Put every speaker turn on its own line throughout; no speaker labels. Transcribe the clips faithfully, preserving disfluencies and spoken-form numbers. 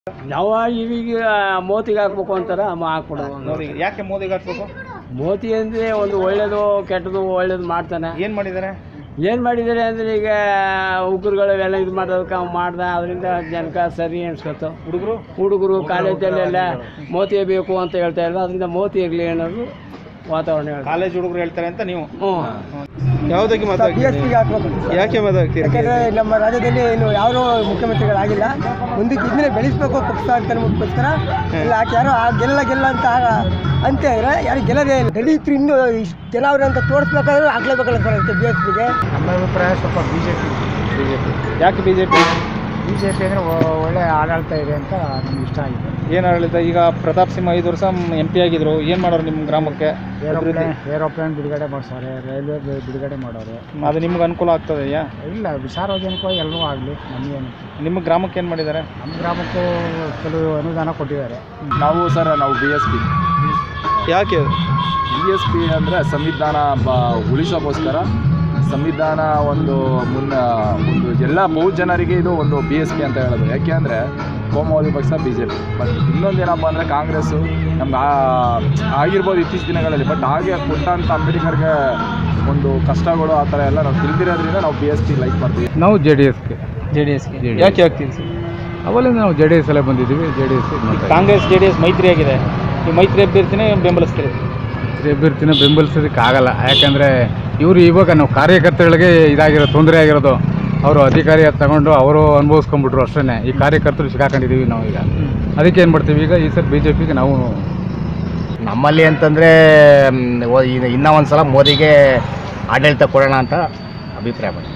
ನಾವು ಈಗ ಮೋದಿಗೆ ಹಾಕ್ಬೇಕು ಅಂತಾರ ಹಾಕ್ಬಿಡೋದು.
ಮೋದಿಗೆ ಯಾಕೆ ಮೋದಿಗೆ ಹಾಕ್ಬೇಕು?
ಮೋದಿ ಅಂದರೆ ಒಂದು ಒಳ್ಳೇದು ಕೆಟ್ಟದು ಒಳ್ಳೇದು ಮಾಡ್ತಾನೆ.
ಏನು ಮಾಡಿದ್ದಾರೆ
ಏನು ಮಾಡಿದ್ದಾರೆ ಅಂದರೆ ಈಗ ಉಗ್ರಗಳೆಲ್ಲ ಇದು ಮಾಡೋದಕ್ಕೆ ಅವ್ನು ಮಾಡ್ದ, ಅದರಿಂದ ಜನಕ್ಕೆ ಸರಿ ಅನ್ಸ್ಕೊತು.
ಹುಡುಗರು
ಹುಡುಗರು ಕಾಲೇಜಲ್ಲೆಲ್ಲ ಮೋದಿ ಬೇಕು ಅಂತ ಹೇಳ್ತಾ ಇದ್ರು, ಅದರಿಂದ ಮೋದಿ ಇರಲಿ ಅನ್ನೋದು ವಾತಾವರಣ.
ಕಾಲೇಜ್ ಹುಡುಗರು ಹೇಳ್ತಾರೆ ಅಂತ ನೀವು
ಹ್ಞೂ
ಯಾವುದಕ್ಕೆ ಮಾತಾಡ್ತೀರಿ? ಯಾಕೆ ಮಾತಾಡ್ತೀರಿ?
ಯಾಕಂದರೆ ನಮ್ಮ ರಾಜ್ಯದಲ್ಲಿ ಇನ್ನು ಯಾರೂ ಮುಖ್ಯಮಂತ್ರಿಗಳಾಗಿಲ್ಲ. ಮುಂದಕ್ಕೆ ಇದನ್ನೇ ಬೆಳೆಸಬೇಕು ಪಕ್ಷ ಅಂತ ಮುಖ್ಯಸ್ಕರ ಇಲ್ಲ ಯಾಕೆ ಯಾರೋ ಗೆಲ್ಲ ಗೆಲ್ಲ ಅಂತ ಅಂತ ಇದ್ರೆ ಯಾರು ಗೆಲ್ಲದೇ ಇಲ್ಲ. ದಲಿತರು ಇನ್ನೂ ಇಷ್ಟು ಜನ ಅವ್ರೆ ಅಂತ ತೋರಿಸ್ಬೇಕಾದ್ರೆ ಆಗ್ಲೇಬೇಕಲ್ಲ ಸರ್ ಅಂತ ಬಿ ಎಸ್ ಪಿಗೆ.
ನಮ್ಮ ಅಭಿಪ್ರಾಯ ಸ್ವಲ್ಪ B J P
B J P ಯಾಕೆ B J P
B J P ಅಂದರೆ ಒಳ್ಳೆ ಆಡಳಿತ ಇದೆ ಅಂತ ನಮ್ಗೆ ಇಷ್ಟ ಆಗಿದೆ.
ಏನು ಆಡಳಿತ? ಈಗ ಪ್ರತಾಪ್ ಸಿಂಹ ಐದು ವರ್ಷ ಎಂ ಪಿ ಆಗಿದ್ರು, ಏನು ಮಾಡೋರು ನಿಮ್ಮ ಗ್ರಾಮಕ್ಕೆ?
ಏರೋಪ್ಲೇನ್ ಏರೋಪ್ಲೇನ್ ಬಿಡುಗಡೆ ಮಾಡಿಸೋರೆ, ರೈಲ್ವೆ ಬಿಡುಗಡೆ ಮಾಡೋರು.
ಅದು ನಿಮ್ಗೆ ಅನುಕೂಲ ಆಗ್ತದೆಯಾ?
ಇಲ್ಲ, ಸಾರ್ವಜನಿಕವಾಗಿ ಎಲ್ಲರೂ ಆಗಲಿ, ನಮಗೇನು.
ನಿಮ್ಮ ಗ್ರಾಮಕ್ಕೆ ಏನು ಮಾಡಿದ್ದಾರೆ?
ನಮ್ಮ ಗ್ರಾಮಕ್ಕೂ ಕೆಲವು ಅನುದಾನ ಕೊಟ್ಟಿದ್ದಾರೆ.
ನಾವು ಸರ್ ನಾವು ಬಿ ಎಸ್ ಪಿ
ಯಾಕೆ
ಬಿ ಎಸ್ ಪಿ ಅಂದರೆ ಸಂವಿಧಾನ ಬ ಉಳಿಸೋಕ್ಕೋಸ್ಕರ ಸಂವಿಧಾನ ಒಂದು ಮುನ್ನ ಒಂದು ಎಲ್ಲ ಬಹು ಜನರಿಗೆ ಇದು ಒಂದು ಬಿ ಎಸ್ ಪಿ ಅಂತ ಹೇಳೋದು. ಯಾಕೆ ಅಂದರೆ ಕೋಮುವಾದಿ ಪಕ್ಷ ಬಿ ಜೆ ಪಿ. ಬಟ್ ಇನ್ನೊಂದೇನಪ್ಪ ಅಂದರೆ ಕಾಂಗ್ರೆಸ್ಸು ನಮ್ಗೆ ಆಗಿರ್ಬೋದು ಇತ್ತೀಚಿನ ದಿನಗಳಲ್ಲಿ. ಬಟ್ ಹಾಗೆ ಕೊಟ್ಟಂಥ ಅಂಬೇಡ್ಕರ್ಗೆ ಒಂದು ಕಷ್ಟಗಳು ಆ ಥರ ಎಲ್ಲ ನಾವು ತಿಳಿದಿರೋದ್ರಿಂದ ನಾವು ಬಿ ಎಸ್ ಪಿ ಲೈಕ್ ಮಾಡ್ತೀವಿ.
ನಾವು ಜೆ ಡಿ ಎಸ್ಗೆ
ಜೆ ಡಿ ಎಸ್ಗೆ ಯಾಕೆ ಆಗ್ತೀವಿ ಸರ್?
ಅವಲ್ಲಿಂದ ನಾವು ಜೆ ಡಿ ಎಸ್ ಅಲ್ಲೇ ಬಂದಿದ್ದೀವಿ. J D S
Congress J D S ಮೈತ್ರಿ ಆಗಿದೆ. ಈ ಮೈತ್ರಿ ಅಭ್ಯರ್ಥಿನೇ ಬೆಂಬಲಿಸ್ತೀರಿ?
ಅಭ್ಯರ್ಥಿನ ಬೆಂಬಲಿಸೋದಕ್ಕಾಗಲ್ಲ. ಯಾಕಂದರೆ ಇವರು ಇವಾಗ ನಾವು ಕಾರ್ಯಕರ್ತರಿಗೆ ಇದಾಗಿರೋ ತೊಂದರೆ ಆಗಿರೋದು, ಅವರು ಅಧಿಕಾರಿ ತಗೊಂಡು ಅವರು ಅನುಭವಿಸ್ಕೊಂಡ್ಬಿಟ್ರು ಅಷ್ಟೇ. ಈ ಕಾರ್ಯಕರ್ತರು ಸಿಕ್ಕಾಕೊಂಡಿದ್ದೀವಿ ನಾವು ಈಗ. ಅದಕ್ಕೆ ಏನು ಮಾಡ್ತೀವಿ ಈಗ ಈ ಸರ್ ಬಿ ಜೆ ಪಿಗೆ ನಾವು
ನಮ್ಮಲ್ಲಿ ಅಂತಂದರೆ ಇನ್ನೂ ಒಂದು ಸಲ ಮೋದಿಗೆ ಆಡಳಿತ ಕೊಡೋಣ ಅಂತ ಅಭಿಪ್ರಾಯ ಮಾಡಿ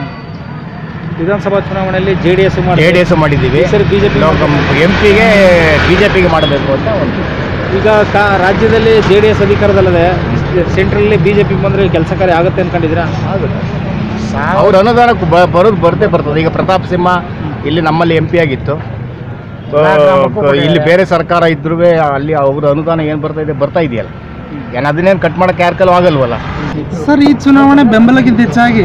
ವಿಧಾನಸಭಾ ಚುನಾವಣೆಯಲ್ಲಿ J D S
J D S ಮಾಡಿದ್ದೀವಿ.
Sir B J P
M ಪಿಗೆ ಬಿ ಜೆ ಪಿಗೆ ಮಾಡಬೇಕು ಅಂತ ಒಂದು.
ಈಗ ಕಾ ರಾಜ್ಯದಲ್ಲಿ ಜೆ ಡಿ ಎಸ್ ಅಧಿಕಾರದಲ್ಲದೆ ಸೆಂಟ್ರಲ್ಲಿ ಬಿ ಜೆ ಪಿ ಬಂದರೆ ಕೆಲಸ ಕಾರ್ಯ ಆಗುತ್ತೆ ಅಂದ್ಕೊಂಡಿದ್ದೀರಾ?
ಅವ್ರ ಅನುದಾನಕ್ಕೆ ಬ ಬರೋದು ಬರ್ತೇ ಬರ್ತದೆ. ಈಗ ಪ್ರತಾಪ್ ಸಿಂಹ ಇಲ್ಲಿ ನಮ್ಮಲ್ಲಿ ಎಂ ಪಿ ಆಗಿತ್ತು. ಇಲ್ಲಿ ಬೇರೆ ಸರ್ಕಾರ ಇದ್ರೂ ಅಲ್ಲಿ ಅವ್ರ ಅನುದಾನ ಏನು ಬರ್ತಾ ಇದೆ ಬರ್ತಾ ಇದೆಯಲ್ಲ, ಏನು ಅದನ್ನೇನು ಕಟ್ ಮಾಡೋಕ್ಕೆ ಯಾರ ಕೈಲೂ ಆಗಲ್ವಲ್ಲ.
ಸರ್, ಈ ಚುನಾವಣೆ ಬೆಂಬಲಕ್ಕಿಂತ ಹೆಚ್ಚಾಗಿ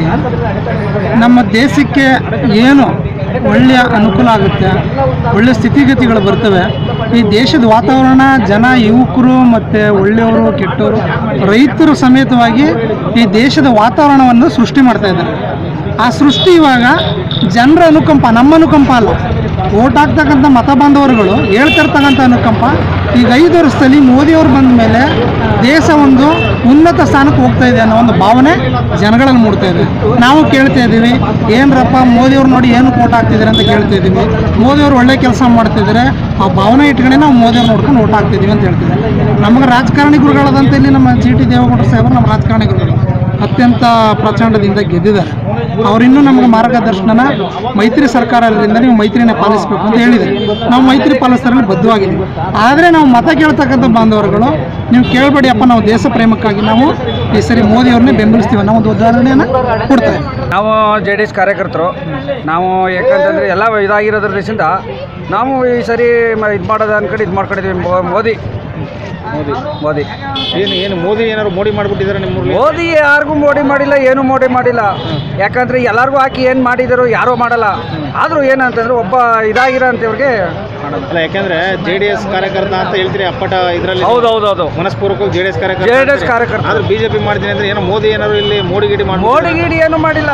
ನಮ್ಮ ದೇಶಕ್ಕೆ ಏನು ಒಳ್ಳೆಯ ಅನುಕೂಲ ಆಗುತ್ತೆ, ಒಳ್ಳೆಯ ಸ್ಥಿತಿಗತಿಗಳು ಬರ್ತವೆ. ಈ ದೇಶದ ವಾತಾವರಣ, ಜನ, ಯುವಕರು ಮತ್ತು ಒಳ್ಳೆಯವರು ಕೆಟ್ಟವರು ರೈತರು ಸಮೇತವಾಗಿ ಈ ದೇಶದ ವಾತಾವರಣವನ್ನು ಸೃಷ್ಟಿ ಮಾಡ್ತಾ ಇದ್ದಾರೆ. ಆ ಸೃಷ್ಟಿ ಇವಾಗ ಜನರ ಅನುಕಂಪ, ನಮ್ಮ ಅನುಕಂಪ ಅಲ್ಲ. ಓಟ್ ಹಾಕ್ತಕ್ಕಂಥ ಮತ ಬಾಂಧವರುಗಳು ಹೇಳ್ತಿರ್ತಕ್ಕಂಥ ಅನುಕಂಪ. ಈಗ ಐದು ವರ್ಷದಲ್ಲಿ ಮೋದಿಯವರು ಬಂದ ಮೇಲೆ ದೇಶ ಒಂದು ಉನ್ನತ ಸ್ಥಾನಕ್ಕೆ ಹೋಗ್ತಾ ಇದೆ ಅನ್ನೋ ಒಂದು ಭಾವನೆ ಜನಗಳಲ್ಲಿ ಮೂಡ್ತಾ ಇದೆ. ನಾವು ಕೇಳ್ತಾ ಇದ್ದೀವಿ, ಏನರಪ್ಪ ಮೋದಿಯವ್ರು ನೋಡಿ ಏನು ಓಟ್ ಹಾಕ್ತಿದ್ದಾರೆ ಅಂತ ಕೇಳ್ತಾ ಇದ್ದೀವಿ. ಮೋದಿಯವರು ಒಳ್ಳೆ ಕೆಲಸ ಮಾಡ್ತಿದ್ದಾರೆ, ಆ ಭಾವನೆ ಇಟ್ಕೊಂಡೆ ನಾವು ಮೋದಿಯವ್ರು ನೋಡ್ಕೊಂಡು ಓಟ್ ಹಾಕ್ತಿದ್ದೀವಿ ಅಂತ ಹೇಳ್ತಿದ್ದಾರೆ. ನಮಗೆ ರಾಜಕಾರಣಿ ಗುರುಗಳಾದಂಥ ಇಲ್ಲಿ ನಮ್ಮ ಜಿ ಟಿ ದೇವೇಗೌಡರು ಸಾಹೇಬರು ನಮ್ಮ ರಾಜಕಾರಣಿ ಗುರುಗಳು ಅತ್ಯಂತ ಪ್ರಚಂಡದಿಂದ ಗೆದ್ದಿದ್ದಾರೆ. ಅವರಿನ್ನೂ ನಮಗೆ ಮಾರ್ಗದರ್ಶನ ಮೈತ್ರಿ ಸರ್ಕಾರದಿಂದ ನೀವು ಮೈತ್ರಿನೇ ಪಾಲಿಸಬೇಕು ಅಂತ ಹೇಳಿದ್ದಾರೆ. ನಾವು ಮೈತ್ರಿ ಪಾಲಿಸೋದ್ರಲ್ಲಿ ಬದ್ಧವಾಗಿದ್ದೀವಿ. ಆದರೆ ನಾವು ಮತ ಕೇಳ್ತಕ್ಕಂಥ ಬಾಂಧವರುಗಳು ನೀವು ಕೇಳಬೇಡಿಯಪ್ಪ, ನಾವು ದೇಶ ಪ್ರೇಮಕ್ಕಾಗಿ ನಾವು ಈ ಸರಿ ಮೋದಿಯವ್ರನ್ನೇ ಬೆಂಬಲಿಸ್ತೀವಿ ಅನ್ನೋ ಒಂದು ಉದಾಹರಣೆಯನ್ನು ಕೊಡ್ತಾರೆ.
ನಾವು ಜೆ ಡಿ ಎಸ್ ಕಾರ್ಯಕರ್ತರು. ನಾವು ಯಾಕಂತಂದರೆ ಎಲ್ಲ ಇದಾಗಿರೋದ್ರ ದೇಶದಿಂದ ನಾವು ಈ ಸರಿ ಇದು ಮಾಡೋದು ಅಂದ್ಕೊಂಡು ಇದು ಮಾಡ್ಕೊಂಡಿದ್ದೀವಿ. ಮೋದಿ ಮೋದಿ ಮೋದಿ
ಏನು ಏನು ಮೋದಿ ಏನಾದ್ರು ಮೋಡಿ ಮಾಡಿಬಿಟ್ಟಿದ್ದಾರೆ ನಿಮ್ಮ
ಮೋದಿ ಯಾರಿಗೂ ಮೋಡಿ ಮಾಡಿಲ್ಲ, ಏನು ಮೋಡಿ ಮಾಡಿಲ್ಲ. ಯಾಕಂದರೆ ಎಲ್ಲರಿಗೂ ಹಾಕಿ ಏನು ಮಾಡಿದರು ಯಾರೂ ಮಾಡಲ್ಲ. ಆದರೂ ಏನಂತಂದ್ರೆ ಒಬ್ಬ ಇದಾಗಿರೋ ಅಂತವ್ರಿಗೆ
ಅಲ್ಲ, ಯಾಕಂದ್ರೆ ಜೆ ಡಿ ಎಸ್ ಕಾರ್ಯಕರ್ತ ಅಂತ ಹೇಳ್ತೀರಿ ಅಪ್ಪಟ ಇದರಲ್ಲಿ.
ಹೌದು ಹೌದು ಹೌದು
ಮನಸ್ಪೂರ್ವಕವಾಗಿ ಜೆ ಡಿ ಎಸ್ ಕಾರ್ಯಕರ್ತ
ಜೆ ಡಿ ಎಸ್ ಕಾರ್ಯಕರ್ತ.
ಆದ್ರೆ ಬಿಜೆಪಿ ಮಾಡ್ತೀನಿ ಅಂದ್ರೆ ಏನೋ ಮೋದಿ ಏನಾದ್ರು ಇಲ್ಲಿ ಮೋಡಿ ಗಿಡಿ ಮಾಡಿ
ಮೋಡಿ ಗಿಡಿ ಏನು ಮಾಡಿಲ್ಲ.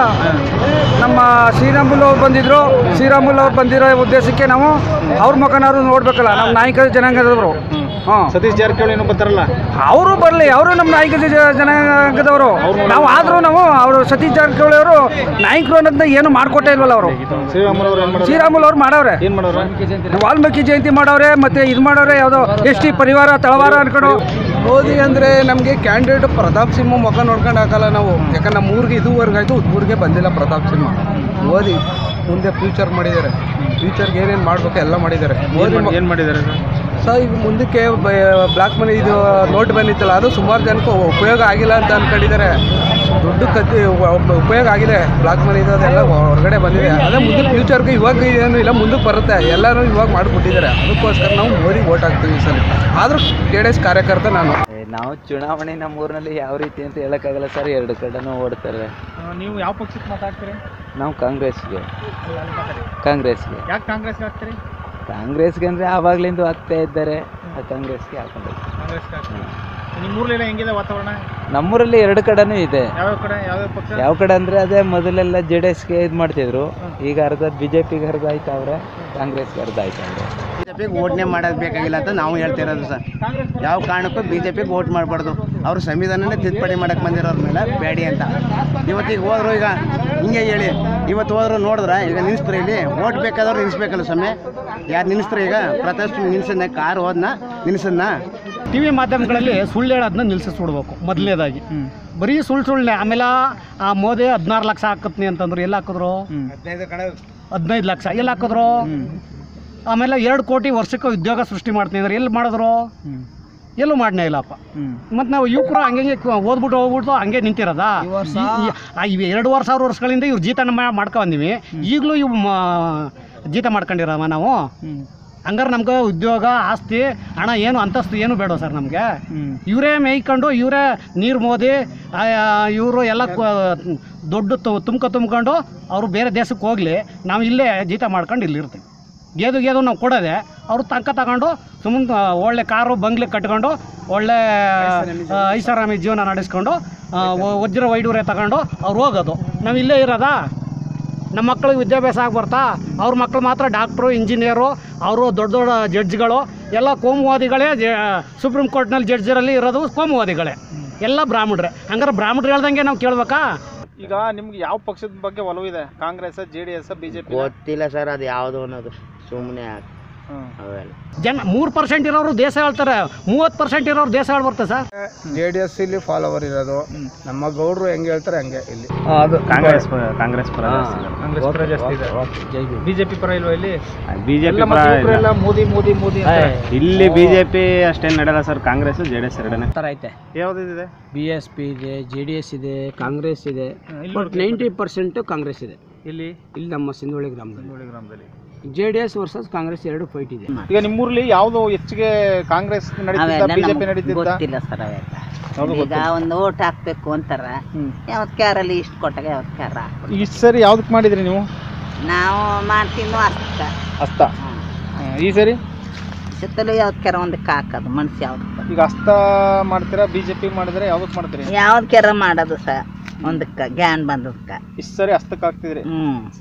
ನಮ್ಮ ಶ್ರೀರಾಮುಲು ಅವ್ರು ಬಂದಿದ್ರು, ಶ್ರೀರಾಮುಲು ಅವ್ರು ಬಂದಿರೋ ಉದ್ದೇಶಕ್ಕೆ ನಾವು ಅವ್ರ ಮುಖನಾದ್ರು ನೋಡ್ಬೇಕಲ್ಲ. ನಮ್ಮ ನಾಯಕ ಜನಾಂಗದವರು. ಹಾಂ,
ಸತೀಶ್ ಜಾರಕಿಹೊಳಿ ಏನೋ ಬರ್ತಾರಲ್ಲ,
ಅವರು ಬರಲಿ, ಅವರು ನಮ್ಮ ನಾಯಕ ಜನಾಂಗದವರು. ನಾವು ಆದರೂ ನಾವು ಅವರು ಸತೀಶ್ ಜಾರಕಿಹೊಳಿ ಅವರು ನಾಯಕರು ಅನ್ನೋದನ್ನ ಏನು ಮಾಡಿಕೊಟ್ಟೇ ಇಲ್ವಲ್ಲ ಅವರು.
ಶ್ರೀರಾಮುಲು ಅವ್ರು ಏನು
ಶ್ರೀರಾಮುಲು ಅವ್ರು ಮಾಡವ್ರೆ,
ಏನು ಮಾಡೋರು?
ವಾಲ್ಮೀಕಿ ಜಯಂತಿ ಮಾಡವ್ರೆ, ಮತ್ತೆ ಇದು ಮಾಡವ್ರೆ, ಯಾವುದೋ ಎಸ್ ಟಿ ಪರಿವಾರ ತಳವಾರ ಅನ್ಕೊಂಡು.
ಮೋದಿ ಅಂದರೆ ನಮಗೆ ಕ್ಯಾಂಡಿಡೇಟ್ ಪ್ರತಾಪ್ ಸಿಂಹ ಮುಖ ನೋಡ್ಕೊಂಡು ಹಾಕಲ್ಲ ನಾವು. ಯಾಕಂದ್ರೆ ನಮ್ಮ ಊರಿಗೆ ಇದುವರೆಗಾಯ್ತು ಊರಿಗೆ ಬಂದಿಲ್ಲ ಪ್ರತಾಪ್ ಸಿಂಹ. ಮೋದಿ ಮುಂದೆ ಫ್ಯೂಚರ್ ಮಾಡಿದ್ದಾರೆ. ಫ್ಯೂಚರ್ಗೆ ಏನೇನು ಮಾಡಬೇಕು ಎಲ್ಲ ಮಾಡಿದ್ದಾರೆ. ಮೋದಿ
ಏನು ಮಾಡಿದ್ದಾರೆ
ಸೊ ಈಗ ಮುಂದಕ್ಕೆ ಬ್ಲ್ಯಾಕ್ ಮನಿ ಇದು ನೋಟ್ ಬಂದಿತ್ತಲ್ಲ, ಅದು ಸುಮಾರು ಜನಕ್ಕೆ ಉಪಯೋಗ ಆಗಿಲ್ಲ ಅಂತ ಅಂದ್ಕೊಂಡಿದ್ದಾರೆ. ದುಡ್ಡು ಕದ್ದಿ ಉಪಯೋಗ ಆಗಿದೆ, ಬ್ಲ್ಯಾಕ್ ಮನಿ ಇದು ಅದೆಲ್ಲ ಹೊರಗಡೆ ಬಂದಿದೆ. ಅದೇ ಮುಂದೆ ಫ್ಯೂಚರ್ಗೆ ಇವಾಗ ಏನು ಇಲ್ಲ, ಮುಂದಕ್ಕೆ ಬರುತ್ತೆ. ಎಲ್ಲರೂ ಇವಾಗ ಮಾಡಿಬಿಟ್ಟಿದ್ದಾರೆ. ಅದಕ್ಕೋಸ್ಕರ ನಾವು ಮೋದಿಗೆ ಓಟ್ ಹಾಕ್ತೀವಿ ಈ ಸಲ. ಆದರೂ ಜೆ ಡಿ ಎಸ್ ಕಾರ್ಯಕರ್ತ ನಾನು.
ನಾವು ಚುನಾವಣೆ ನಮ್ಮೂರಿನಲ್ಲಿ ಯಾವ ರೀತಿ ಅಂತ ಹೇಳೋಕ್ಕಾಗಲ್ಲ ಸರ್, ಎರಡು ಕಡೆನೂ ಓಡ್ತಾರೆ.
ನೀವು ಯಾವ ಪಕ್ಷಕ್ಕೆ ಮಾತಾಡ್ತೀರಿ?
ನಾವು ಕಾಂಗ್ರೆಸ್ಗೆ ಕಾಂಗ್ರೆಸ್ಗೆ
ಯಾಕೆ ಕಾಂಗ್ರೆಸ್ಗೆ ಹಾಕ್ತೀರಿ?
ಕಾಂಗ್ರೆಸ್ಗೆ ಅಂದರೆ ಆವಾಗಲಿಂದ ಆಗ್ತಾ ಇದ್ದಾರೆ ಕಾಂಗ್ರೆಸ್ಗೆ ಹಾಕೊಂಡು
ನಿಮ್ಮೂರಲ್ಲೆಲ್ಲ ಹೆಂಗಿದೆ ವಾತಾವರಣ?
ನಮ್ಮೂರಲ್ಲಿ ಎರಡು ಕಡೆನೂ ಇದೆ.
ಯಾವ ಕಡೆ ಯಾವ ಪಕ್ಷ?
ಯಾವ ಕಡೆ ಅಂದರೆ ಅದೇ ಮೊದಲೆಲ್ಲ ಜೆ ಡಿ ಎಸ್ಗೆ ಇದು ಮಾಡ್ತಿದ್ರು, ಈಗ ಅರ್ಧ ಬಿ ಜೆ ಪಿಗೆ ಅರ್ಧ ಆಯ್ತವ್ರೆ, ಕಾಂಗ್ರೆಸ್ಗೆ ಅರ್ಧ ಆಯ್ತವ್ರೆ.
ಬಿ ಜೆ ಪಿಗೆ ಓಟ್ನೇ ಮಾಡೋದು ಬೇಕಾಗಿಲ್ಲ ಅಂತ ನಾವು ಹೇಳ್ತಿರೋದು ಸರ್. ಯಾವ ಕಾರಣಕ್ಕೂ ಬಿ ಜೆ ಪಿಗೆ ಓಟ್ ಮಾಡಬಾರ್ದು. ಅವರು ಸಂವಿಧಾನನೇ ತಿದ್ದುಪಡಿ ಮಾಡಕ್ಕೆ ಬಂದಿರೋರ ಮೇಲೆ ಬೇಡಿ ಅಂತ. ಇವತ್ತಿಗೆ ಹೋದ್ರು, ಈಗ ಹಿಂಗೆ ಹೇಳಿ ಇವತ್ತು ಹೋದ್ರು ನೋಡಿದ್ರೆ ಈಗ ನಿಲ್ಲಿಸ್ತಾರೆ, ಇಲ್ಲಿ ಓಟ್ ಬೇಕಾದವ್ರು ನಿಲ್ಲಿಸ್ಬೇಕಲ್ಲ ಸ್ವಾಮಿ. ಯಾರು ನಿಲ್ಲಿಸ್ತಾರೆ? ಈಗ ಪ್ರತಿಯೊಂದು ನಿಲ್ಸನ್ನ ಕಾರ್ ಹೋದ್ನ ನಿಲ್ಸನ್ನ
ಟಿ ವಿ ಮಾಧ್ಯಮಗಳಲ್ಲಿ ಸುಳ್ಳು ಹೇಳೋದನ್ನ ನಿಲ್ಲಿಸ್ಬಿಡ್ಬೇಕು ಮೊದಲನೇದಾಗಿ. ಬರೀ ಸುಳ್ಳು ಸುಳ್ಳೆ. ಆಮೇಲೆ ಆ ಮೋದಿ ಹದಿನಾರು ಲಕ್ಷ ಹಾಕತ್ನಿ ಅಂತಂದ್ರು, ಎಲ್ಲಿ ಹಾಕಿದ್ರು? ಹದಿನೈದು ಲಕ್ಷ ಎಲ್ಲಿ ಹಾಕಿದ್ರು? ಆಮೇಲೆ ಎರಡು ಕೋಟಿ ವರ್ಷಕ್ಕೆ ಉದ್ಯೋಗ ಸೃಷ್ಟಿ ಮಾಡ್ತೀನಿ ಅಂದ್ರೆ ಎಲ್ಲಿ ಮಾಡಿದ್ರು? ಎಲ್ಲೂ ಮಾಡನೇ ಇಲ್ಲಪ್ಪ. ಮತ್ತು ನಾವು ಯುವಕರು ಹಂಗೆ ಓದ್ಬಿಟ್ಟು ಹೋಗ್ಬಿಟ್ಟು ಹಂಗೆ ನಿಂತಿರೋದ? ಇವು ಎರಡೂವರೆ ಸಾವಿರ ವರ್ಷಗಳಿಂದ ಇವ್ರು ಜೀತನ ಮಾಡ್ಕೊಂಬಂದಿವಿ, ಈಗಲೂ ಇವು ಜೀತ ಮಾಡ್ಕೊಂಡಿರವ ನಾವು. ಹಂಗಾರೆ ನಮ್ಗೆ ಉದ್ಯೋಗ, ಆಸ್ತಿ, ಹಣ ಏನು ಅಂತಸ್ತು ಏನು ಬೇಡ ಸರ್ ನಮಗೆ. ಇವರೇ ಮೇಯ್ಕೊಂಡು ಇವರೇ ನೀರು ಮೋದಿ ಇವರು ಎಲ್ಲ ದೊಡ್ಡ ತುಮ್ಕ ತುಂಬ್ಕೊಂಡು ಅವರು ಬೇರೆ ದೇಶಕ್ಕೆ ಹೋಗಲಿ, ನಾವು ಇಲ್ಲೇ ಜೀತ ಮಾಡ್ಕೊಂಡು ಇಲ್ಲಿರ್ತೀವಿ. ಗೇದು ಗೇದು ನಾವು ಕೊಡೋದೆ, ಅವರು ತನಕ ತಗೊಂಡು ಸುಮ್ಮನೆ ಒಳ್ಳೆ ಕಾರು ಬಂಗ್ಲೆ ಕಟ್ಕೊಂಡು ಒಳ್ಳೆ ಐಷಾರಾಮಿ ಜೀವನ ನಡೆಸ್ಕೊಂಡು ವಜ್ರ ವೈಡೂರೆ ತಗೊಂಡು ಅವ್ರು ಹೋಗೋದು. ನಾವು ಇಲ್ಲೇ ಇರೋದಾ? ನಮ್ಮ ಮಕ್ಕಳಿಗೆ ವಿದ್ಯಾಭ್ಯಾಸ ಆಗಿ ಬರ್ತಾ? ಅವ್ರ ಮಕ್ಕಳು ಮಾತ್ರ ಡಾಕ್ಟ್ರು, ಇಂಜಿನಿಯರು, ಅವರು ದೊಡ್ಡ ದೊಡ್ಡ ಜಡ್ಜ್ಗಳು ಎಲ್ಲ ಕೋಮುವಾದಿಗಳೇ. ಸುಪ್ರೀಂ ಕೋರ್ಟ್ನಲ್ಲಿ ಜಡ್ಜರಲ್ಲಿ ಇರೋದು ಕೋಮುವಾದಿಗಳೇ, ಎಲ್ಲ ಬ್ರಾಹ್ಮಣರೇ. ಹಂಗಾರೆ ಬ್ರಾಹ್ಮಣರು ಹೇಳ್ದಂಗೆ ನಾವು ಕೇಳ್ಬೇಕಾ?
ಈಗ ನಿಮ್ಗೆ ಯಾವ ಪಕ್ಷದ ಬಗ್ಗೆ ಒಲವು ಇದೆ? Congress, J D S, BJP?
ಗೊತ್ತಿಲ್ಲ ಸರ್ ಅದು ಯಾವುದು ಅನ್ನೋದು, ಸುಮ್ಮನೆ
ಜನ ಮೂರು ಪರ್ಸೆಂಟ್ ಇರೋರು ದೇಶ ಹೇಳ್ತಾರೆ, ಮೂವತ್ತು ಪರ್ಸೆಂಟ್ ಇರೋರು ದೇಶ ಹೇಳ್ಬರ್ತಾರೆ ಸರ್.
ಜೆ ಡಿ ಎಸ್ ಇಲ್ಲಿ ಫಾಲೋವರ್ ಇರೋದು, ನಮ್ಮ ಗೌಡರು ಹೆಂಗೆ ಹೇಳ್ತಾರೆ ಹಂಗೆ ಇಲ್ಲಿ.
ಅದು
ಕಾಂಗ್ರೆಸ್ ಕಾಂಗ್ರೆಸ್ ಪರ
ಕಾಂಗ್ರೆಸ್ ಪರ ಜಾಸ್ತಿ ಇದೆ. ಬಿಜೆಪಿ ಪರ ಇಲ್ವಾ ಇಲ್ಲಿ?
ಬಿಜೆಪಿ
ಎಲ್ಲ ಮೋದಿ ಮೋದಿ ಮೋದಿ
ಇಲ್ಲಿ ಬಿಜೆಪಿ ಅಷ್ಟೇನು ನಡೆಯಲ್ಲ sir. Congress J D S ಎರಡನೇ
ಥರ ಐತೆ.
ಯಾವ್ದಿದೆ?
ಬಿ ಎಸ್ ಪಿ ಇದೆ, ಜೆ ಡಿ ಎಸ್ ಇದೆ, ಕಾಂಗ್ರೆಸ್ ಇದೆ. ಬಟ್ ನೈಂಟಿ ಪರ್ಸೆಂಟು ಕಾಂಗ್ರೆಸ್ ಇದೆ
ಇಲ್ಲಿ
ಇಲ್ಲಿ ನಮ್ಮ ಸಿಂಧೋಳಿ ಗ್ರಾಮದಲ್ಲಿ.
ಸಿಂಧೋಳಿ ಗ್ರಾಮದಲ್ಲಿ
J D S versus Congress ಎರಡು ಫೈಟ್ ಇದೆ.
ಈಗ ನಿಮ್ಮೂರಲ್ಲಿ ಯಾವ್ದು ಹೆಚ್ಚಿಗೆ ಕಾಂಗ್ರೆಸ್ ನಡೀತಿದ್ದ, ಬಿಜೆಪಿ ನಡೀತಿದ್ದ?
ಗೊತ್ತಿಲ್ಲ ಸರ್ ಅವೆಲ್ಲ. ಈಗ ಒಂದು ಓಟ್ ಹಾಕ್ಬೇಕು ಅಂತಾರ, ಯಾವತ್ ಕ್ಯಾರಲ್ಲಿ ಇಷ್ಟು ಕೊಟ್ಟಾಗ ಯಾವತ್ ಕ್ಯಾರ
ಇಷ್ಟು ಸರಿ ಯಾವ್ದಕ್ಕೆ ಮಾಡಿದ್ರಿ ನೀವು?
ನಾವು ಮಾಡ್ತೀನೋ ಅಷ್ಟ
ಅಸ್ತ. ಈ ಸರಿ
ಸುತ್ತಲೂ ಯಾವತ್ ಕ್ಯಾರ ಒಂದಕ್ಕೆ ಹಾಕೋದು ಮನ್ಸು ಯಾವ್ದು.
ಈಗ ಅಸ್ತ ಮಾಡ್ತೀರಾ, ಬಿಜೆಪಿ ಮಾಡಿದ್ರೆ ಯಾವ್ದಕ್ಕೆ ಮಾಡ್ತೀರಿ?
ಯಾವ್ದು ಕ್ಯಾರ ಮಾಡೋದು ಸರ್, ಒಂದಕ್ಕೆ ಗ್ಯಾನ್ ಬಂದದಕ್ಕೆ.
ಇಷ್ಟು ಸರಿ ಅಸ್ತಕ್ಕೆ ಹಾಕ್ತಿದ್ರಿ?
ಹ್ಮ್